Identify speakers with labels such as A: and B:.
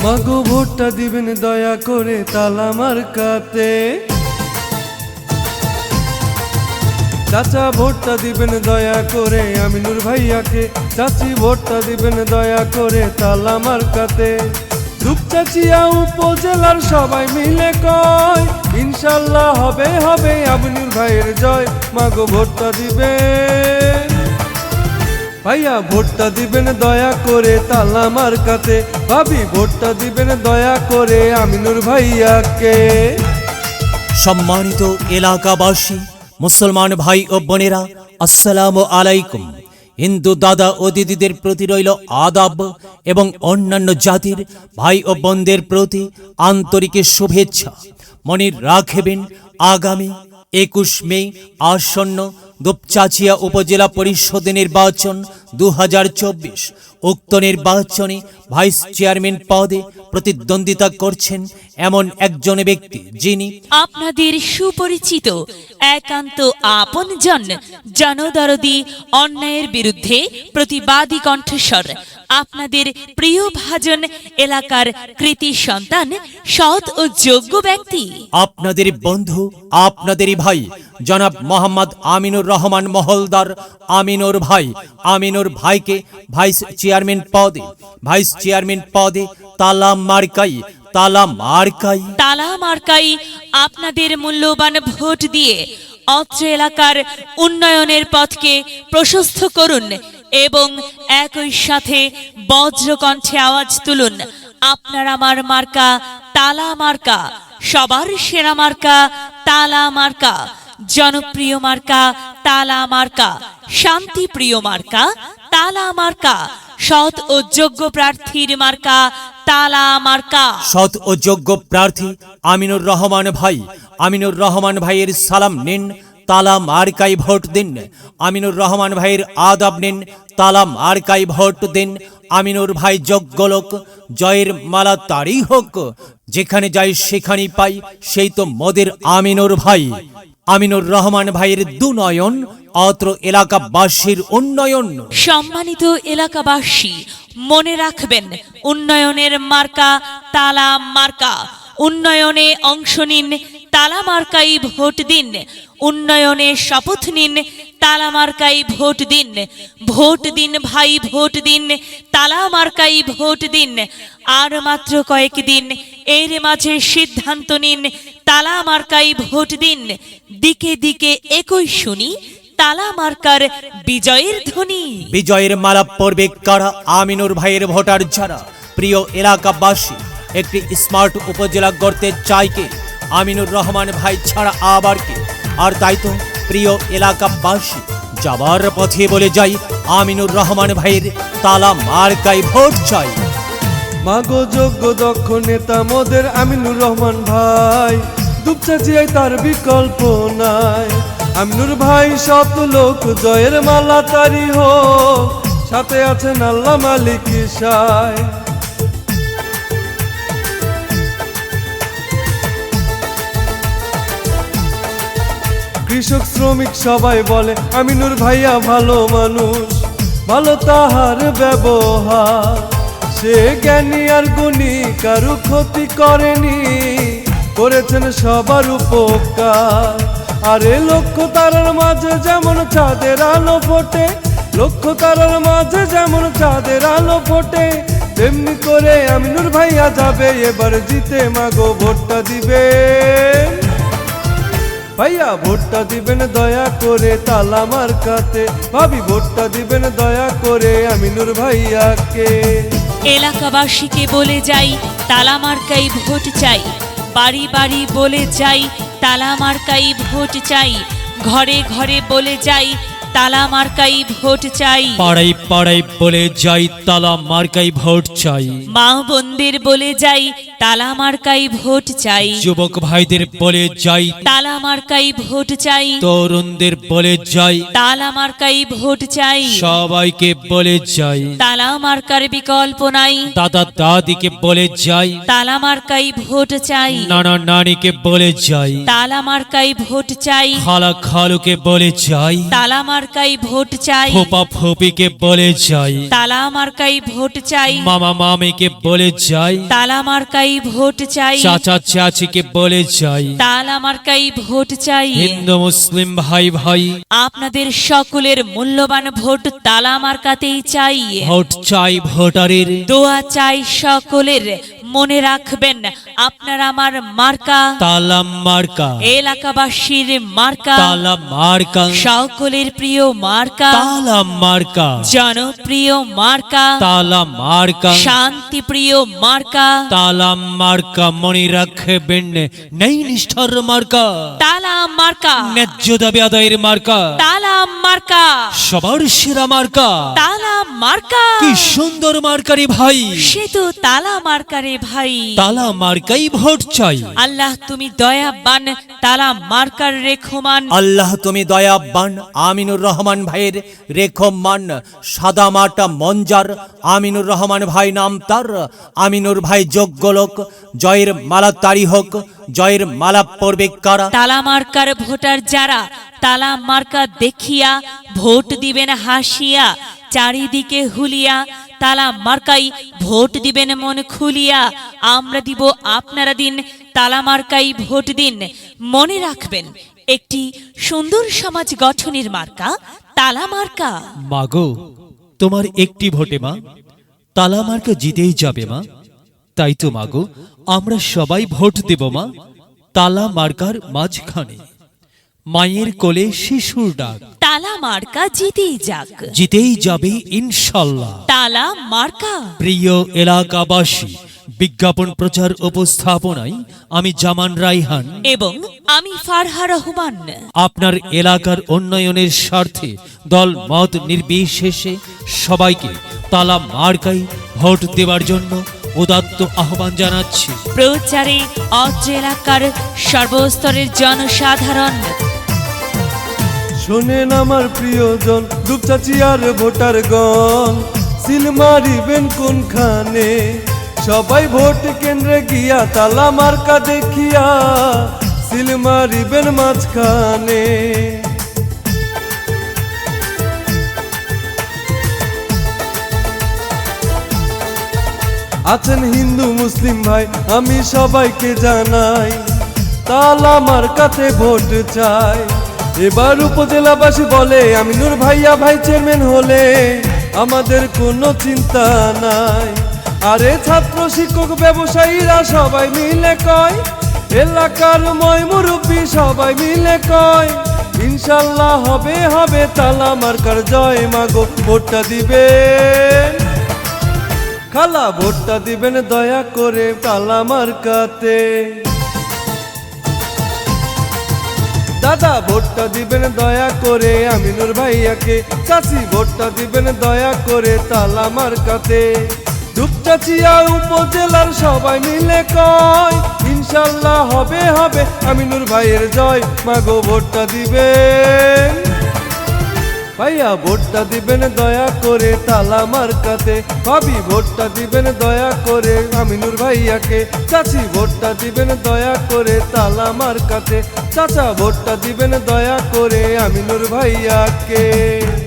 A: মাগো ভোটটা দিবেন দয়া করে তালা মার্কাতে। চাচা ভোটটা দিবেন দয়া করে আমিনুর ভাইয়াকে, চাচি ভোটটা দিবেন দয়া করে তালা মার্কাতে। দুপচাচিয়া উপজেলার সবাই মিলে কয় ইনশাল্লাহ হবে হবে আমিনুর ভাইয়ের জয়। মাগো ভোটটা দিবেন ভাইয়া, ভোটটা দিবেন দয়া করে তালা মার্কাতে। ভাবি ভোটটা দিবেন দয়া করে আমিনুর ভাইয়াকে।
B: সম্মানিত এলাকাবাসী, মুসলমান ভাই ও বোনেরা, আসসালামু আলাইকুম। হিন্দু দাদা ও দিদিদের প্রতি রইল আদাব এবং অন্যান্য জাতির ভাই ও বোনদের প্রতি আন্তরিক শুভেচ্ছা। মনে রাখবেন, আগামী 21 মে আসন্ন দুপচাচিয়া উপজেলা পরিষদ নির্বাচন 2024। উক্ত নির্বাচনে ভাইস চেয়ারম্যান পদে প্রতিদ্বন্দ্বিতা করছেন এমন একজন ব্যক্তি, যিনি
C: আপনাদের সুপরিচিত একান্ত আপনজন, জনদরদি, অন্যায়ের বিরুদ্ধে প্রতিবাদী কণ্ঠস্বর, আপনাদের প্রিয় ভাজন, এলাকার কৃতি সন্তান, সৎ ও যোগ্য ব্যক্তি,
B: আপনাদের বন্ধু, আপনাদেরই ভাই জনাব মোহাম্মদ আমিনুর রহমান মহলদার। আমিনুর ভাইকে ভাইস চেয়ারম্যান পদে তালা মার্কাই
C: আপনাদের মূল্যবান ভোট দিয়ে অত্র এলাকার উন্নয়নের পথকে প্রশস্ত করুন এবং একই সাথে বজ্রকণ্ঠে আওয়াজ তুলুন, আপনার আমার মার্কা তালা মার্কা, সবার সেরা মার্কা তালা মার্কা, জনপ্রিয় মার্কা তালা মার্কা, শান্তিপ্রিয় মার্কা তালা মার্কা, সৎ ও যোগ্য প্রার্থীর মার্কা তালা মার্কা।
B: সৎ ও যোগ্য প্রার্থী আমিনুর রহমান ভাইয়ের সালাম নিন, তালা মার্কাই ভোট দিন। আমিনুর রহমান ভাইয়ের আদাব নিন, তালা মার্কাই ভোট দিন। আমিনুর ভাই যোগ্য লোক, জয়ের মালা তারই হোক। যেখানে যাই সেখানেই পাই, সেই তো মোদের আমিনুর ভাই। আমিনুর রহমান ভাইয়ের দুনয়ন, অত্র এলাকাবাসীর উন্নয়ন।
C: সম্মানিত এলাকাবাসী, মনে রাখবেন, উন্নয়নের মার্কা তালা মার্কা। উন্নয়নে অংশ নিন, তালা মার্কাই ভোট দিন। উন্নয়নে শপথ নিন, তালা মার্কাই ভোট দিন। ভোট দিন ভাই, ভোট দিন, তালা মার্কাই ভোট দিন। আর মাত্র কয়েকদিন, এর মাঝে সিদ্ধান্ত নিন, তালা মার্কাই ভোট দিন। দিকে দিকে একই শুনি তালা মার্কার বিজয়ের ধ্বনি।
B: বিজয়ের মালা পড়বে কারা? আমিনুর ভাইয়ের ভোটার যারা। প্রিয় এলাকাবাসী, একটি স্মার্ট উপজেলা গড়তে চাই কে? আমিনুর রহমান ভাই ছাড়া আবার কে? আর তাই তো প্রিয় এলাকাবাসী, যাবার পথে বলে যাই, আমিনুর রহমান ভাইয়ের তালা মার্কাই ভোট চাই।
A: মাগো যোগ্য দক্ষ নেতা মোদের আমিনুর রহমান ভাই, দুপচাচিয়ায় তার বিকল্প নাই। আমিনুর ভাই সৎ লোক, জয়ের মালা তারি হোক, সাথে আছেন আল্লাহ মালিক সায়। কৃষক শ্রমিক সবাই বলে আমিনুর ভাইয়া ভালো মানুষ, ভালো তাহার ব্যবহার। সে জ্ঞানী আর গুণী, কারু ক্ষতি করেনি, করেছেন সবার উপকার। আরে লক্ষ্য তারার মাঝে যেমন চাঁদের আলো ফোটে, লক্ষ্য তারার মাঝে যেমন চাঁদের আলো ফোটে, তেমনি করে আমিনুর ভাইয়া যাবে এবার জিতে। মাগো ভোটটা দিবেন ভাইয়া, ভোটটা দিবেন দয়া করে তালা মার্কাতে। ভাবি ভোটটা দিবেন দয়া করে আমিনুর ভাইয়াকে।
C: এলাকাবাসীকে বলে যাই, তালা মার্কাই ভোট চাই। বাড়ি বাড়ি বলে যাই, তালা মার্কাই ভোট চাই। ঘরে ঘরে বলে যাই, তালা মার্কাই ভোট চাই।
B: পাড়ায় পাড়ায় বলে যাই, তালা মার্কাই ভোট চাই।
C: মা বোনদের বলে যাই, তালা মার্কাই ভোট চাই,
B: যুবক ভাইদের বলে যাই,
C: তালা মার্কাই ভোট চাই,
B: তরুণদের বলে যাই,
C: তালা মার্কাই ভোট চাই,
B: সবাইকে বলে যাই,
C: তালা মার্কার বিকল্প নাই,
B: দাদা দাদিকে বলে যাই,
C: তালা মার্কাই ভোট চাই,
B: নানা নানিকে বলে যাই,
C: তালা মার্কাই ভোট চাই,
B: খালা খালুকে বলে যাই,
C: তালা মার্কাই ভোট চাই,
B: ফোপা ফোপিকে বলে যাই,
C: তালা মার্কাই ভোট চাই,
B: মামা মামিকে বলে যাই,
C: তালা মার্কাই ভোট চাই,
B: চাচা চাচিকে বলে যাই,
C: তালা মার্কাই ভোট চাই।
B: হিন্দু মুসলিম ভাই ভাই,
C: আপনাদের সকলের মূল্যবান ভোট তালা মার্কাতেই চাই।
B: ভোট চাই ভোটারের,
C: দোয়া চাই সকলের। মনে রাখবেন আপনার আমার মার্কা
B: তালা মার্কা,
C: এলাকাবাসীর মার্কা,
B: তালা মার্কা,
C: সকলের প্রিয় মার্কা,
B: তালা মার্কা,
C: জনপ্রিয় মার্কা,
B: তালা মার্কা,
C: শান্তিপ্রিয় মার্কা,
B: তালা মার্কা। মনে রাখবেন নেই নিষ্ঠার মার্কা,
C: তালা মার্কা,
B: ন্যায্য দাবি আদায়ের মার্কা,
C: তালা মার্কা,
B: সবার সেরা মার্কা।
C: তালা মার্কা।
B: কি সুন্দর মার্কারি ভাই,
C: সে তো তালা মার্কারে ভাই।
B: তালা মার্কাই ভোট চাই।
C: আল্লাহ তুমি দয়াবান, তালা মার্কার রেখমান।
B: আল্লাহ তুমি দয়াবান, আমিনুর রহমান ভাইয়ের রেখমান। সাদা মাটা মঞ্জার, আমিনুর রহমান ভাই নাম তার। আমিনুর ভাই যোগ্য লোক, জয়ের মালা তারি হোক, জয়ের মালা পড়বে কারা।
C: তালা মার্কার ভোটার যারা, তালা মার্কা দেখিয়া ভোট দিবেন হাসিয়া, চারিদিকে হুলিয়া। তালা মার্কাই ভোট দিবেন মন খুলিয়া। আমরা দিব আপনারা দিন, তালা মার্কাই ভোট দিন। মনে রাখবেন একটি সুন্দর সমাজ গঠনের মার্কা তালা মার্কা।
B: মাগো তোমার একটি ভোটে মা তালা মার্কা জিতেই যাবে মা। তাই তো মাগো আমরা সবাই ভোট দেব মা তালা মার্কার মাঝখানে। মায়ের কোলে শিশুর ডাক,
C: তালা মার্কা জিতেই যাক,
B: জিতেই যাবে ইনশাল্লাহ।
C: তালা মার্কা।
B: প্রিয় এলাকাবাসী, বিজ্ঞাপন প্রচার উপস্থাপনায় আমি জামান রাইহান
C: এবং আমি ফারহা রহমান
B: আপনার এলাকার উন্নয়নের স্বার্থে দল মত নির্বিশেষে সবাইকে তালা মার্কাই ভোট দেওয়ার জন্য উদাত্ত আহ্বান জানাচ্ছি।
C: প্রচারে অত্র এলাকার সর্বস্তরের জনসাধারণ।
A: শোনেন আমার প্রিয়জন, দুপচাচি আর ভোটারগণ, সিল মারিবেন কোনখানে? সবাই ভোট কেন্দ্রে গিয়া তালা মার্কা দেখিয়া সিল মারিবেন মাঝখানে। আছেন হিন্দু মুসলিম ভাই, আমি সবাইকে জানাই তালা মার্কাতে ভোট চাই। এবার উপজেলাবাসী বলে আমিনুর ভাইয়া ভাই চেয়ারম্যান হলে আমাদের কোনো চিন্তা নাই। আরে ছাত্র শিক্ষক ব্যবসায়ীরা সবাই মিলে কয়, এলাকার ময় মুরব্বী সবাই মিলে কয়, ইনশাল্লাহ হবে হবে তালা মার্কার জয়। মাগো ভোটটা দিবেন, খালা ভোটটা দিবেন দয়া করে তালা মার্কাতে। দাদা ভোটটা দিবেন দয়া করে আমিনুর ভাইয়াকে, চাচি ভোটটা দিবেন দয়া করে তালা মার্কাতে। দুপচাচিয়া উপজেলার সবাই মিলে কয়, ইনশাল্লাহ হবে হবে আমিনুর ভাইয়ের জয়। মাগো ভোটটা দিবেন, ভাইয়া ভোটটা দিবেন দয়া করে তালা মার্কাতে। ভাবি ভোটটা দিবেন দয়া করে আমিনুর ভাইয়াকে, চাচি ভোটটা দিবেন দয়া করে তালা মার্কাতে। চাচা ভোটটা দিবেন দয়া করে আমিনুর ভাইয়াকে।